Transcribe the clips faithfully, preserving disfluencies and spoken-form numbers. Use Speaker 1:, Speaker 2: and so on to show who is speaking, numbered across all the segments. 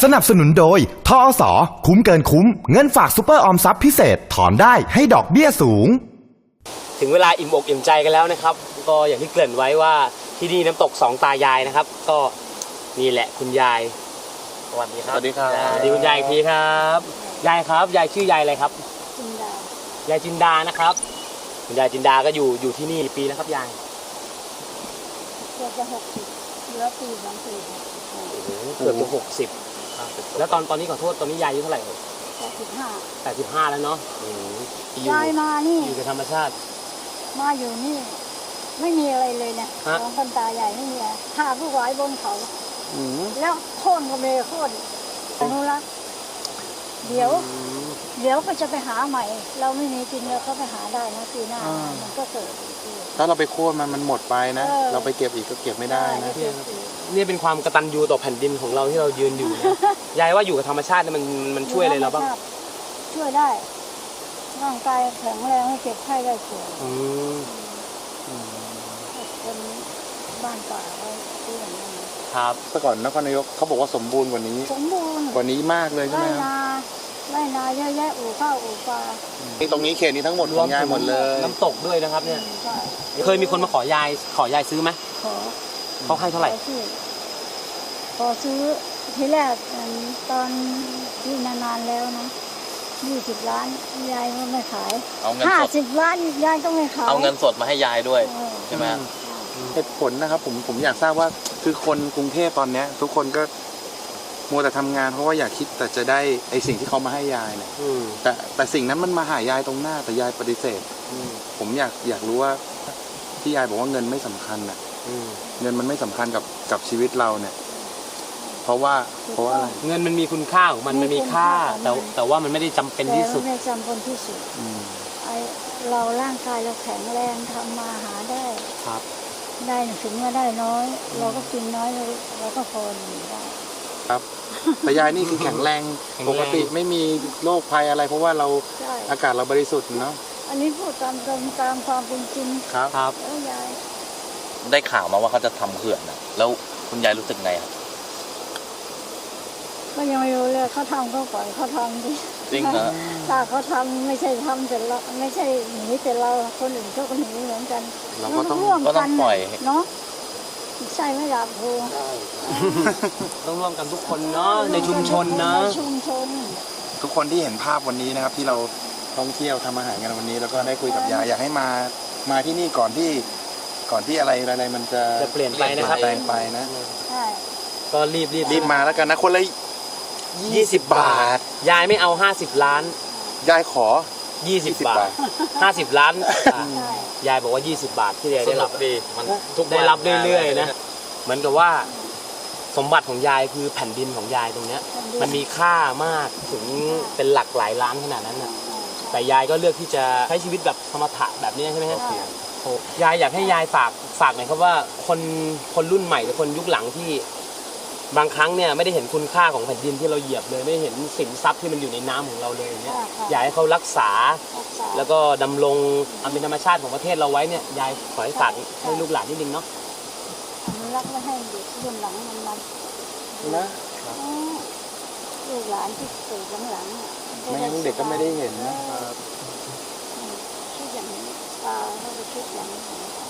Speaker 1: สนับสนุนโดยทอส.คุ้มเกินคุ้มเงินฝากซุปเปอร์ออมทรัพย์พิเศษถอนได้ให้ดอกเบี้ยสูง
Speaker 2: ถึงเวลาอิ่มอกอิ่มใจกันแล้วนะครับก็อย่างที่เกริ่นไว้ว่าที่นี่น้ำตกสองตายายนะครับก็นี่แหละคุณยายสวัสดีครับ
Speaker 3: สวัสดีครับ
Speaker 2: สวัสดีคุณยายอีกทีครับยายครับยายชื่อยายอะไรครับ
Speaker 4: จินดาย
Speaker 2: ายจินดานะครับคุณยายจินดาก็อยู่อยู่ที่นี่ปีแล้วครับยาย
Speaker 4: เกือบจะหกสิบเหลือปีสองปี
Speaker 2: เกือบจะหกสิบแล้วตอนตอนนี้ขอโทษตอนนี้ยายอายุเท่าไหร่
Speaker 4: แปดสิบห้า
Speaker 2: แปดสิบห้าแล้วเนาะ
Speaker 4: ยายมานี่
Speaker 2: อยู่กับธรรมชาติ
Speaker 4: มาอยู่นี่ไม่มีอะไรเลยเนี่ยของคนตาใหญ่ไม่มีอะไรหาผู้ไว้บนเขาแล้วโค่นก็ไม่โค่นอนุรักษ์เดี๋ยวเดี๋ยวก็จะไปหาใหม่เราไม่มีกินเราก็ไปหาได้นะปีหน้ามันก็เกิด
Speaker 3: ถ้าเราไปโค่นมันมันหมดไปนะเราไปเก็บอีกก็เก็บไม่ได้นะ
Speaker 2: นี่เป็นความกตัญญูต่อแผ่นดินของเราที่เรายืนอยู่นะยายว่าอยู่กับธรรมชาติมันมันช่วยอะไรเราบ้าง
Speaker 4: ช่วยได้ร่างกายแข็งแรงไม่เจ็บไข้ได้ป่วยเป็นบ้านป่าไว้ที่อย่างนั้น
Speaker 2: ครับ
Speaker 3: แต่ก่อนนครนายกเขาบอกว่าสมบูรณ์กว่านี้
Speaker 4: สมบูรณ์
Speaker 3: กว่านี้มากเลยใช่ไหม
Speaker 4: ไร่นาไร่นาเยอะแยะอู่ข้าวอู่ปลา
Speaker 3: ตรงนี้เขตนี้ทั้งหมดของยายหมดเลย
Speaker 2: น้ำตกด้วยนะครับเนี่ยเคยมีคนมาขอยายขอยายซื้อไหม
Speaker 4: ขอ
Speaker 2: เขาให้เท่าไหร่
Speaker 4: ขอซื้อทีแรกตอนที่นานๆแล้วนะยี่สิบล้านยายก็ไม่ขายห้าสิบล้านยายก็ไม่ขาย
Speaker 5: เอาเงินสดมาให้ยายด้วยใช่ไหม
Speaker 3: เหตุผลนะครับผมผมอยากทราบว่าคือคนกรุงเทพตอนนี้ทุกคนก็มัวแต่ทำงานเพราะว่าอยากคิดแต่จะได้ไอสิ่งที่เขามาให้ยายเนี่ยแต่แต่สิ่งนั้นมันมาหายายตรงหน้าแต่ยายปฏิเสธผมอยากอยากรู้ว่าที่ยายบอกว่าเงินไม่สำคัญน่ะเงินมันไม่สำคัญกับกับชีวิตเราเนี่ยเพราะว่าเพราะว่าอะไร
Speaker 2: เงินมันมีคุณค่าของมันมันมีค่าแต่แต่ว่ามันไม่ได้จำเป็นที่สุด
Speaker 4: ไม่จำเป็นที่สุดไอเราร่างกายเราแข็งแรงทำมาหาได้
Speaker 2: ครับ
Speaker 4: ได้ถึงว่าได้น้อยเราก็กินน้อยเราเราก็พออยู่ได้
Speaker 3: ครับแต่ยายนี่คือแข็งแรงปกติไม่มีโรคภัยอะไรเพราะว่าเราอากาศเราบริสุทธิ์เนาะ
Speaker 4: อันนี้พูดตามตรงตามความเป็นจริง
Speaker 3: ครับ
Speaker 2: ครับ
Speaker 4: แล้วยาย
Speaker 5: ได้ข่าวมาว่าเขาจะทำเขื่อนนะแล้วคุณยายรู้สึกไงครับ
Speaker 4: ก็ยังไม่รู้เลยเขาทำก็ปล่อยเขาทำดิ
Speaker 5: จริงเหรอ
Speaker 4: ถ้าเขาทำไม่ใช่ทำแต่เราไม่ใช่หนีแต่เราคนอื่นเขาก็หนีเหมือนกัน
Speaker 3: เราก็ต้อง
Speaker 4: ร่วมกัน
Speaker 5: ปล่อย
Speaker 4: เนาะใช่ไม่หลับครู
Speaker 2: ต้องร่วมกันทุกคนเนาะในชุมชนนะ
Speaker 4: ชุมชน
Speaker 3: ทุกคนที่เห็นภาพวันนี้นะครับที่เราท่องเที่ยวทำอาหารกันวันนี้แล้วก็ได้คุยกับยายอยากให้มามาที่นี่ก่อนที่ก่อนที่อะไรอะไรมันจะ
Speaker 2: จะเปลี่ยนไปนะครับ
Speaker 3: แปลงไปนะ
Speaker 4: ใช่
Speaker 2: ก็รีบรีบ
Speaker 3: รีบมาแล้วกันนะคนละ
Speaker 2: ยี่สิบบาทยายไม่เอาห้าสิบล้าน
Speaker 3: ยายขอ
Speaker 2: ยี่สิบบาทห้าสิบล้านยายบอกว่ายี่สิบบาทที่ยายได้รับดีมันได้รับเรื่อยๆนะเหมือนกับว่าสมบัติของยายคือแผ่นดินของยายตรงเนี้ยมันมีค่ามากถึงเป็นหลักหลายล้านขนาดนั้นน่ะแต่ยายก็เลือกที่จะใช้ชีวิตแบบธรรมะแบบนี้ใช่ไหมครับยายอยากให้ยายฝากฝากหน่อยครับว่าคนคนรุ่นใหม่หรือคนยุคหลังที่บางครั้งเนี่ยไม่ได้เห็นคุณค่าของแผ่นดินที่เราเหยียบเลยไม่เห็นสินทรัพย์ที่มันอยู่ในน้ำของเราเลยเนี่ยอยากให้เขารักษาแล้วก็ดำรงอันเป็นธรรมชาติของประเทศเราไว้เนี่ยยายขอให้ฝากให้ลูกหลานนิดนึงเนาะ
Speaker 4: รักไม่ให้เด็กรุ่นหลังมันมัน
Speaker 3: นะ
Speaker 4: ลูกหลานที่เกิดหลัง
Speaker 3: ๆไม่งั้นเด็กก็ไม่ได้เห็นนะ
Speaker 4: คิดอย่างนี้ตาเขาจะคิดอย่างนี้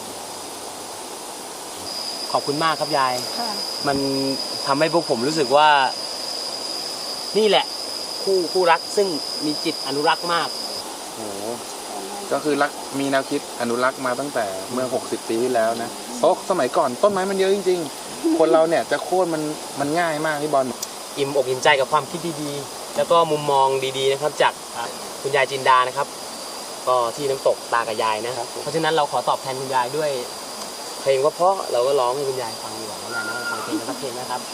Speaker 2: ขอบคุณมากครับยายมันทำให้พวกผมรู้สึกว่านี่แหละคู่คู่รักซึ่งมีจิตอนุรักษ์มาก
Speaker 3: โอ้ก็คือรักมีแนวคิดอนุรักษ์มาตั้งแต่เมื่อหกสิบปีที่แล้วนะเพราะสมัยก่อนต้นไม้มันเยอะจริงๆคนเราเนี่ยจะโค่นมันมันง่ายมากพี่บอล
Speaker 2: อิ่มอกอิ่มใจกับความคิดดีๆแล้วก็มุมมองดีๆนะครับจากคุณยายจินดานะครับก็ที่น้ำตกตากับยายนะครับเพราะฉะนั้นเราขอตอบแทนคุณยายด้วยเพลงว่าเพราะเราก็ร้องให้คุณยายฟังดีกว่าแล้วนะฟังเพลงสักเพลงนะครับ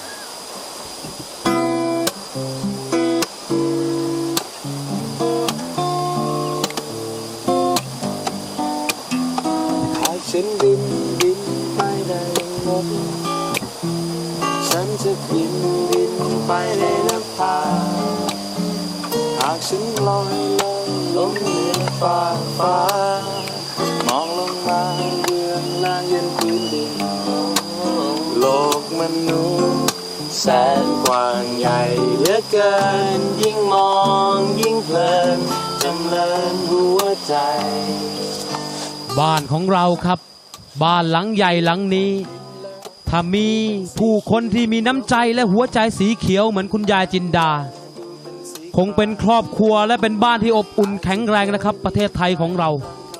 Speaker 6: หากฉันบินบินไปได้หมดฉันจะบินบินไปในนภาหากฉันลอยลอยลงเหนือฟ้าฟ้ามองลงมาเยือนลางเย็นพื้นดินโลกมนุษย์แสนกว้างใหญ่เหลือเกิน ยิ่งมองยิ่งเพลินจำเริญหัวใจ
Speaker 7: บ้านของเราครับ บ้านหลังใหญ่หลังนี้ ถ้ามีผู้คนที่มีน้ำใจและหัวใจสีเขียวเหมือนคุณยายจินดา คงเป็นครอบครัวและเป็นบ้านที่อบอุ่นแข็งแรงนะครับ ประเทศไทยของเรา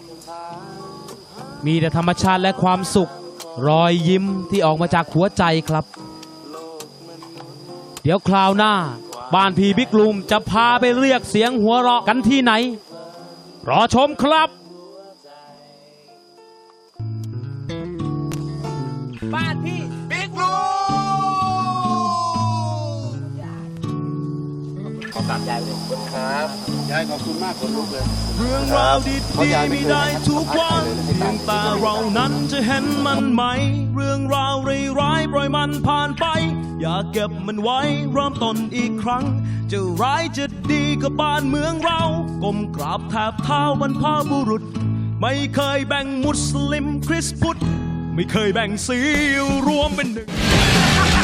Speaker 7: มีแต่ธรรมชาติและความสุข รอยยิ้มที่ออกมาจากหัวใจครับ เดี๋ยวคราวหน้า บ้านพี่บิ๊กลุมจะพาไปเรียกเสียงหัวเราะกันที่ไหน รอชมครับบ้านพี่บิ๊กลุม
Speaker 2: ขอกราบยายเลยครับ
Speaker 3: ยายขอบคุณมากขนลุกเลย
Speaker 7: เรื่องราวดีๆมีได้ทุกวันเพียงแต่เรานั้นจะเห็นมันไหม เรื่องราวร้ายๆปล่อยมันผ่านไป อย่าเก็บมันไว้เริ่มต้นอีกครั้ง จะร้ายจะดีกับบ้านเมืองเราก้มกราบแทบเท้าบรรพบุรุษ ไม่เคยแบ่งมุสลิมคริสต์พุทธ ไม่เคยแบ่งสีรวมเป็นหนึ่ง